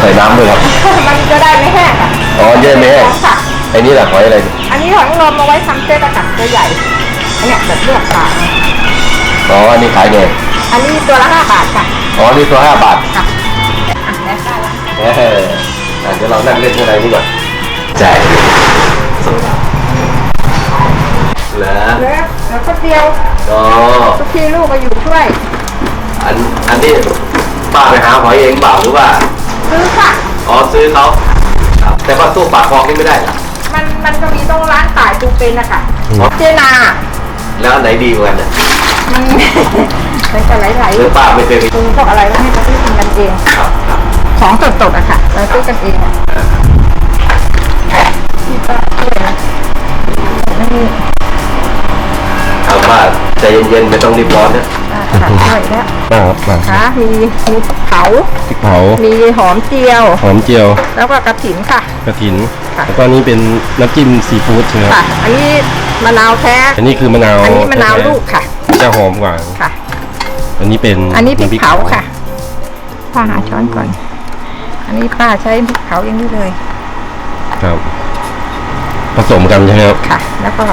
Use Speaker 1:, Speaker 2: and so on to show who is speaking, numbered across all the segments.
Speaker 1: ส่น้ำด้วยครับ
Speaker 2: มันจะได้ไม่แห้งอ่ะ
Speaker 1: อ๋อเยอะไหมแห้ง
Speaker 2: ค่ะ
Speaker 1: ไอ้นี่แหละหอยอะไร
Speaker 2: อันนี้หอยนางรมเอาไว้ทำเส้นอะค่ะตัวใหญ่อันเนี้ยแบบเลือกขาย
Speaker 1: อ๋ออันนี้ขายไง
Speaker 2: อันนี้ตัวละ5 บาทค่ะ
Speaker 1: อ๋อนี่ตัว5 บาท
Speaker 2: ค่ะได้ค่ะ
Speaker 1: เดี๋ยวเรานั่งเล่นข้างในนี่ก่อนแจก
Speaker 2: แล้วก็เดียว
Speaker 1: อ๋อ
Speaker 2: ทุกทีลูกมาอยู่ช่วย
Speaker 1: อันนี้ป้าไปหาหอยเองเปล่าหรือว่า
Speaker 2: ซื้อค่ะ
Speaker 1: อ๋อซื้อเขาแต่ว่าตู้ปากคลองนี่ไม่ได้นะ
Speaker 2: มันจะมีต้องร้านขายปูเป็นนะคะเจนา
Speaker 1: แล้วไหนดีกว่ากันเนี่ย
Speaker 2: มันจะไหลๆ
Speaker 1: ซื้อป้าไม่เคยไป
Speaker 2: ซื้อพวกอะไรให้เขาซื้อกันเองของสดๆอะค่ะเราซื้อกันเองอะที่ป้าช่วยนะนี่
Speaker 1: เอาป้าใจเย็นๆไม่ต้องรีบร้อนนะ
Speaker 2: ค่ะช่วยแล้วค่ะมีพริกเผามีหอมเจียวแล้วก็กระถิ่นค่ะ
Speaker 3: กระถิ่นแล้วก็นี้เป็นน้ำจิ้มซีฟู้ดใช่ไหม
Speaker 2: ค่ะอันนี้มะนาวแท้
Speaker 3: อันนี้คือมะนาว
Speaker 2: อันนี้มะนาวลูกค่ะ
Speaker 3: จะหอมกว่า
Speaker 2: ค่ะ
Speaker 3: อันนี้เป็น
Speaker 2: พริกเผาค่ะป้าหาช้อนก่อนอันนี้ป้าใช้พริกเผาอย่างนี้เลย
Speaker 3: ครับผสมกันใช่ไหมครับ
Speaker 2: ค่ะแล้วก็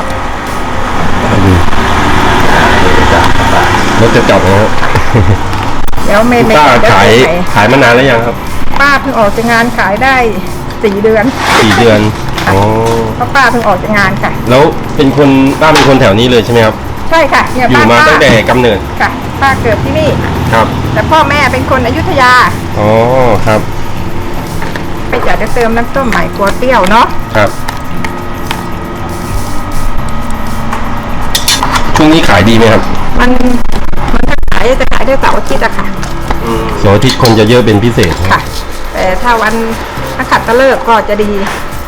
Speaker 3: รสจะจับนะครับ
Speaker 2: เดี๋ยวไม่
Speaker 3: ป้าขายมานานแล้วยังครับ
Speaker 2: ป้าเพิ่งออกจากงานขายได้4 เดือน
Speaker 3: อ๋อ
Speaker 2: เพราะป้าเพิ่งออกจากงานค่ะ
Speaker 3: แล้วป้าเป็นคนแถวนี้เลยใช่ไหมครับ
Speaker 2: ใช่ค่ะ
Speaker 3: อยู่มาตั้งแต่กำเนิด
Speaker 2: ค่ะป้าเกิดที่นี่
Speaker 3: ครับ
Speaker 2: แต่พ่อแม่เป็นคนอยุธยา
Speaker 3: อ๋อครับ
Speaker 2: ไปอยากจะเติมน้ำส้มใหม่กลัวเปรี้ยวเนาะ
Speaker 3: ครับช่วงนี้ขายดีไหมครับ
Speaker 2: มันจะขายได้เสาร์อาทิตย์อะค่ะ
Speaker 3: เสาร์อาทิตย์คนจะเยอะเป็นพิเศษ
Speaker 2: ค่ะแต่ถ้าวันนักขัตฤกษ์ก็จะดี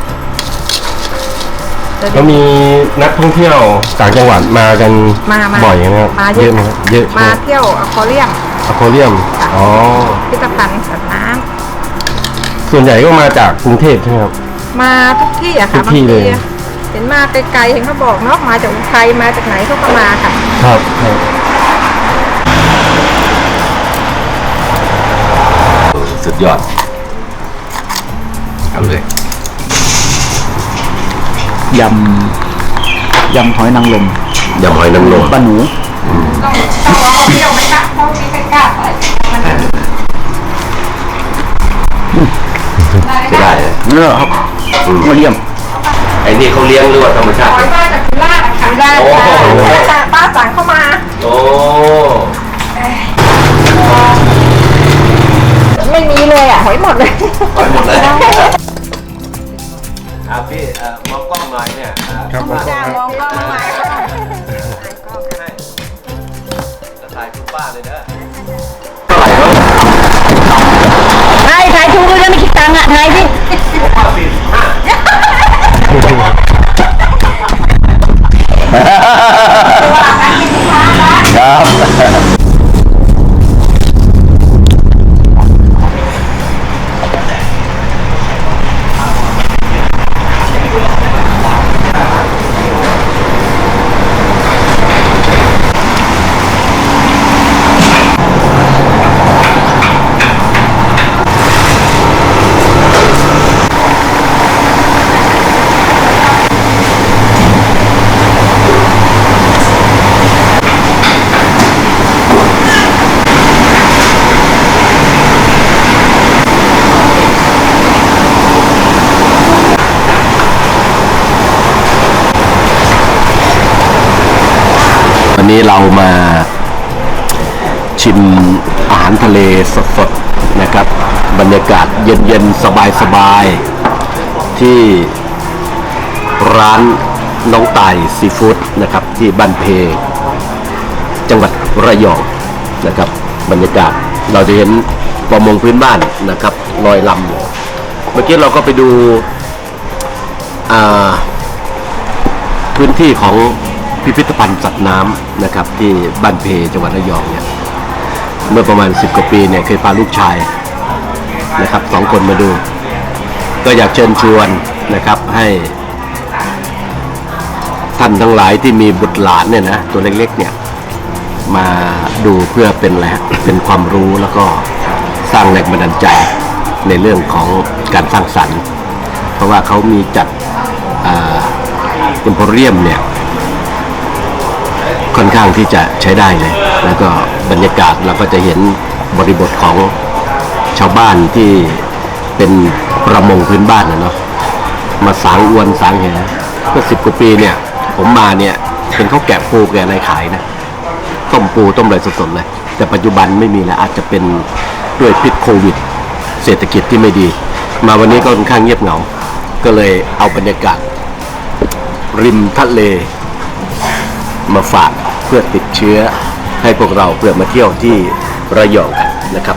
Speaker 3: ก็มีนักท่องเที่ยวต่างจังหวัดมากันบ่อยนะครับ
Speaker 2: เยอะไหม
Speaker 3: เยอะ
Speaker 2: มาเที่ยวอควาเรียม
Speaker 3: อ๋อ
Speaker 2: พิพิธภัณฑ์สัตว์น้ำ
Speaker 3: ส่วนใหญ่ก็มาจากกรุงเทพใช่ไหมครับ
Speaker 2: มาทุกที่อะค่ะบางทีเห็นมาไกลๆเห็นเขาบอกเนาะมาจากอุทัยมาจากไหนเขาก็มาค่ะ
Speaker 3: ครับ
Speaker 1: สุดยอดเอาเลย
Speaker 4: ยำหอยนางรม
Speaker 1: ป้าหนู
Speaker 2: ต้องเอาเที่ยวไหมคะเพราะมีใกล้ๆไป
Speaker 1: ได้
Speaker 4: เนี่ยครับมาเลี้ยง
Speaker 1: ไอ้นี่เขาเลี้ยงหรือว่าธรรมชาติ
Speaker 2: หอยมาจากสุราษฎร์ค่ะได้ค่ะป้าสั่งเข้ามา
Speaker 1: โอ้
Speaker 2: ไม่มีเลยอ่ะหอยหมดเลย
Speaker 1: พี่มองกล้องหน่อยเนี่ย
Speaker 3: ครับมองกล้อง
Speaker 2: หน่อย
Speaker 1: จะถ่ายคุณป้าเลยนะ
Speaker 2: ถ่ายถูกเลยไม่คิดตังค์อ่ะถ่ายดิ
Speaker 1: ป้า45ครับวันนี้เรามาชิมอาหารทะเลสดๆนะครับบรรยากาศเย็นๆสบายๆที่ร้านน้องต่ายซีฟู้ดนะครับที่บ้านเพจังหวัดระยองนะครับบรรยากาศเราจะเห็นประมงพื้นบ้านนะครับลอยลำเมื่อกี้เราก็ไปดูพื้นที่ของพิพิธภัณฑ์สัตว์น้ำนะครับที่บ้านเพจังหวัดระยองเนี่ยเมื่อประมาณ10 กว่าปีเนี่ยเคยพาลูกชายนะครับ2 คนมาดูก็อยากเชิญชวนนะครับให้ท่านทั้งหลายที่มีบุตรหลานเนี่ยนะตัวเล็กๆเนี่ยมาดูเพื่อเป็นอะไรเป็นความรู้แล้วก็สร้างแรงบันดาลใจในเรื่องของการสร้างสรรค์ เพราะว่าเขามีจัดเอ็มโพเรียมเนี่ยค่อนข้างที่จะใช้ได้เลย แล้วก็บรรยากาศเราก็จะเห็นบริบทของชาวบ้านที่เป็นประมงพื้นบ้านนะเนาะมาสางอวนสางแหเมื่อ10 กว่าปีเนี่ยผมมาเนี่ยเป็นเขาแกะปูแกะอะไรขายนะต้มปูต้มอะไรสดๆเลยแต่ปัจจุบันไม่มีแล้วอาจจะเป็นด้วยพิษโควิดเศรษฐกิจที่ไม่ดีมาวันนี้ก็ค่อนข้างเงียบเหงาก็เลยเอาบรรยากาศริมทะเลมาฝากเพื่อติดเชื้อให้พวกเราเพื่อมาเที่ยวที่ระยองกันนะครับ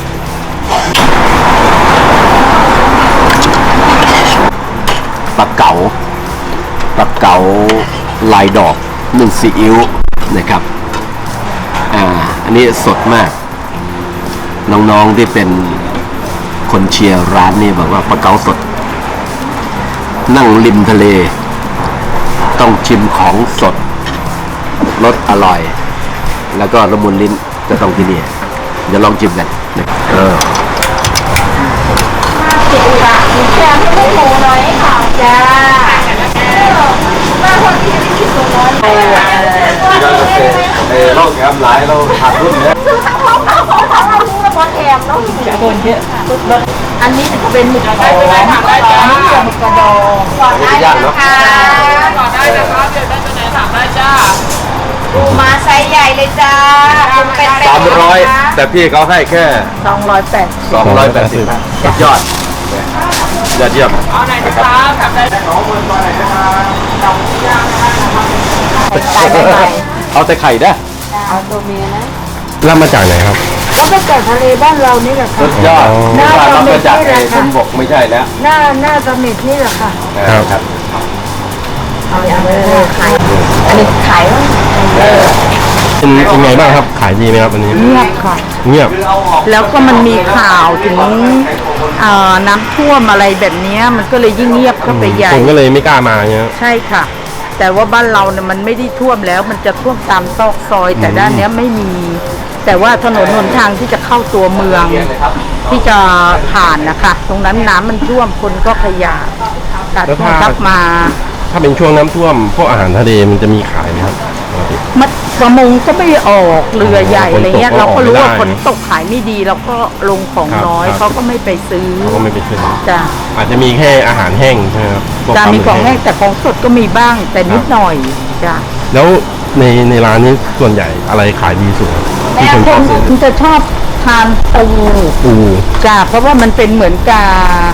Speaker 1: ปลาเก๋าลายดอกนึ่งซีอิ๊วนะครับอันนี้สดมากน้องๆที่เป็นคนเชียร์ร้านนี่บอกว่าปลาเก๋าสดนั่งริมทะเลต้องชิมของสดรสอร่อยแล้วก็ละมุนลิ้นจะต้องที่นี่เดี๋ยวลองชิมกัน
Speaker 2: มีแค่ให้ไม่โมน้อยค่ะจ้ามาคนที่ไม่คิดตัวน้อย
Speaker 1: เราแกมหลายเราขาดรุ่นเนี่ย
Speaker 2: ซื้อทั้งของเรารู้ว่าแถมต้องคนเยอะอันนี้จะเป็นหมึกกระดองหมึกกระดองก่อนได้นะคะ
Speaker 5: ก่อนได้นะครับเดี๋ยวได้จะไหนถามได้จ้า
Speaker 2: ปูมาไซส์ใหญ่เลยจ้าเป็น
Speaker 1: 300แต่พี่เขาให้แค่
Speaker 2: 280
Speaker 1: สุดยอดยอดเยี่ยม
Speaker 5: เอาไหนนะครับถามได้2 คนก่อนไหนนะครับ
Speaker 1: เอาแต่ไข่ได้
Speaker 2: เอาตัวเมียนะ
Speaker 3: รับมาจากไหนครับ
Speaker 2: เขามาจากทะเลบ้านเรานี่แหละค่ะ
Speaker 1: สุดยอด
Speaker 2: น่าจะ
Speaker 1: มาจากบนบกไม่ใช่แล้ว
Speaker 2: หน้าสมิธนี่แหละค่ะ
Speaker 1: ครับ
Speaker 2: เอาอย่างขายอันนี้ขาย
Speaker 3: เป็นไงบ้างครับขายดีไหมครับวันนี้
Speaker 2: เงียบค่ะ
Speaker 3: เงียบ
Speaker 2: แล้วก็มันมีข่าวถึงน้ำท่วมอะไรแบบนี้มันก็เลยยิ่งเงียบเข้าไปใหญ่
Speaker 3: คนก็เลยไม่กล้ามาเนี่ย
Speaker 2: ใช่ค่ะแต่ว่าบ้านเราเนี่ยมันไม่ได้ท่วมแล้วมันจะท่วมตามซอกซอยแต่ด้านนี้ไม่มีแต่ว่าถนนหนทางที่จะเข้าตัวเมืองที่จะผ่านนะคะตรงนั้นน้ำมันท่วมคนก็ขยะตัดทับมา
Speaker 3: ถ้าเป็นช่วงน้ำท่วมพวกอาหารทะเลมันจะมีขายไหมครับ
Speaker 2: มัดประมงก็ไม่ออกเรือใหญ่อะไรเงี้ยเราก็รู้ว่าฝนตกขายไม่ดีเราก็ลงของน้อยเขาก็ไม่ไปซื้อ
Speaker 3: เขาก็ไม่ไปซื้อ
Speaker 2: จ้ะ
Speaker 3: อาจจะมีแค่อาหารแห้งใช่ไหมครับ
Speaker 2: จะมีของแห้งแต่ของสดก็มีบ้างแต่นิดหน่อยจ้ะ
Speaker 3: แล้วในร้านนี้ส่วนใหญ่อะไรขายดีสุดที่คนชอบซื้อ
Speaker 2: คุณจะชอบทานปูจ้ะเพราะว่ามันเป็นเหมือนกับ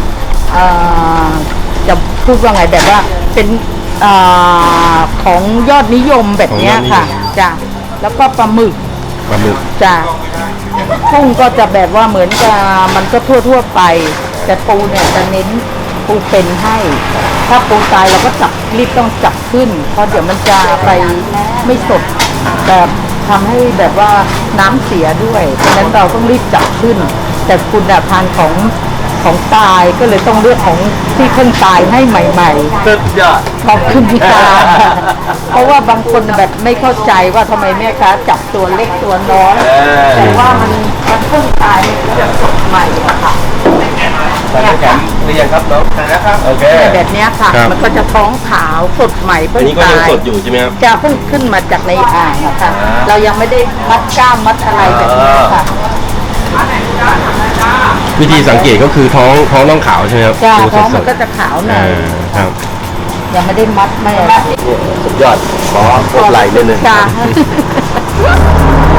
Speaker 2: จะพูดว่าไงแบบว่าเป็นของยอดนิยมแบบนี้ค่ะจ้ะแล้วก็ปลาหมึกจ้ะกุ้งก็จะแบบว่าเหมือนกับมันก็ทั่วไปแต่ปูเนี่ยจะเน้นปูเป็นให้ถ้าปูตายเราก็รีบต้องจับขึ้นเพราะเดี๋ยวมันจะไปไม่สดแบบทำให้แบบว่าน้ำเสียด้วยเพราะฉะนั้นเราต้องรีบจับขึ้นแต่คุณทานของตายก็เลยต้องเลือกของที่เพิ่งตายให้ใหม่ๆ
Speaker 1: สุดยอด
Speaker 2: ขอบคุณค่ะเพราะว่าบางคนแบบไม่เข้าใจว่าทำไมแม่ค้าจับตัวเล็กตัวน้อยแต่ว่ามันเพิ่งตายมันสดใหม่ค่ะ
Speaker 1: ใส่แกมหรือยังครับน้องนะครับโอเค
Speaker 2: แบบนี้ค่ะมันก็จะท้องขาวสดใหม่เพิ่งตาย
Speaker 3: นี่ก็ยังสดอยู่ใช่ไหมครับ
Speaker 2: จะเพิ่งขึ้นมาจากในอ่างนะคะเรายังไม่ได้มัดกล้ามมัดอะไรแบบนี้ค่ะ
Speaker 3: วิธีสังเกตก็คือท้องต้องขาวใช่ไหมครับ
Speaker 2: จ้าท้องมันก็จะขาวหน่อย
Speaker 3: ครับ
Speaker 2: ยังไม่ได้มัดไม่
Speaker 1: สุดยอดขอพบไหล่นิดนึง
Speaker 2: จ้า